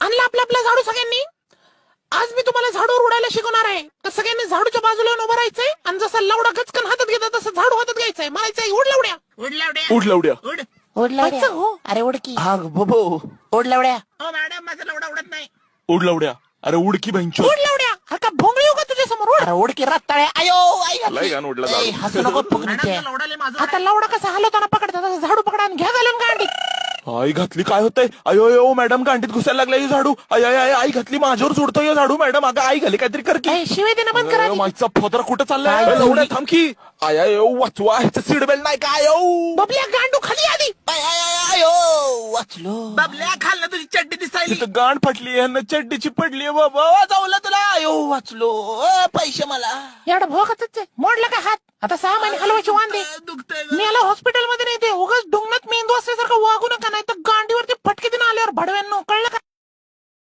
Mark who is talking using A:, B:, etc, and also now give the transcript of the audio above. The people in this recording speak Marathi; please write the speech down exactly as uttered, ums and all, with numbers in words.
A: आणला आपला आपला झाडू सगळ्यांनी. आज मी तुम्हाला झाडूवर उडायला शिकवणार आहे. तर सगळ्यांनी झाडूच्या बाजूला उभं राहायचंय आणि जसा लवडा गचकन हातात घेता तसं झाडू हातात घ्यायचंय. म्हणायचंय उड लवड्या
B: उड लावड्या
C: उठ लवड्या.
B: उड.
D: ओढ लावड्या.
A: व्हायचं हो.
D: अरे उडकी.
C: हा बबो.
D: ओढ लावड्या.
B: हो मॅडम माझा लवडा उडत नाही.
C: उठ लवड्या. अरे उडकी बहिंचो.
A: उड लवड्या. अरे का भोंगळी हो का तुझ्या समोर. उड.
D: अरे उडकी रत्ताळ्या. आयो आई
C: लय
D: घातली.
C: गाणं उडला
D: ए,
C: झाडू.
D: हसू नको
B: मॅडम
D: फुगणीचे.
B: तो लवडाले माझा
A: आता लवडा कसा हलवताना पकडता तसं झाडू पकडा आणि घ्या घालून गांडीत.
C: आई घातली काय होतंय. अयो अयो मॅडम गांडीत घुसायला लागला ही झाडू. आय आय आय आई घातली माझ्यावर सोडतोय हे झाडू. मॅडम अगं आई घाली काहीतरी कर की.
A: ए, शिवाय देणं बंद करा आधी.
C: मागचा फोदर कुठं चाललाय.
D: काय
C: ए, लवड्या थांब की. आय आय ओ वाचवा ह्याचं सीट बेल्ट नाही काय ओ.
A: बबल्या गांडू खाली आधी.
D: आय आय आय आयो वाचलो.
B: बबल्या खाल्लं तुझी चड्डी दिसायली.
C: तिथं गांड फाटली ह्यानं चड्डीची पडली बाबा.
D: वाजवलं तुला. आयो वाचलो. अ, पैसे मला.
A: एवढा भोकाच मोडला का हात. आता सहा महिने हलवायची वांदे.
B: दुखतंय
A: मी याला हॉस्पिटलमध्ये नाही ते उगाच डोंगणात मेंदू असल्यासारखं वागू नका नाही तर गांडीवरती फटके देणं आल्यावर भडव्यांनो कळलं का.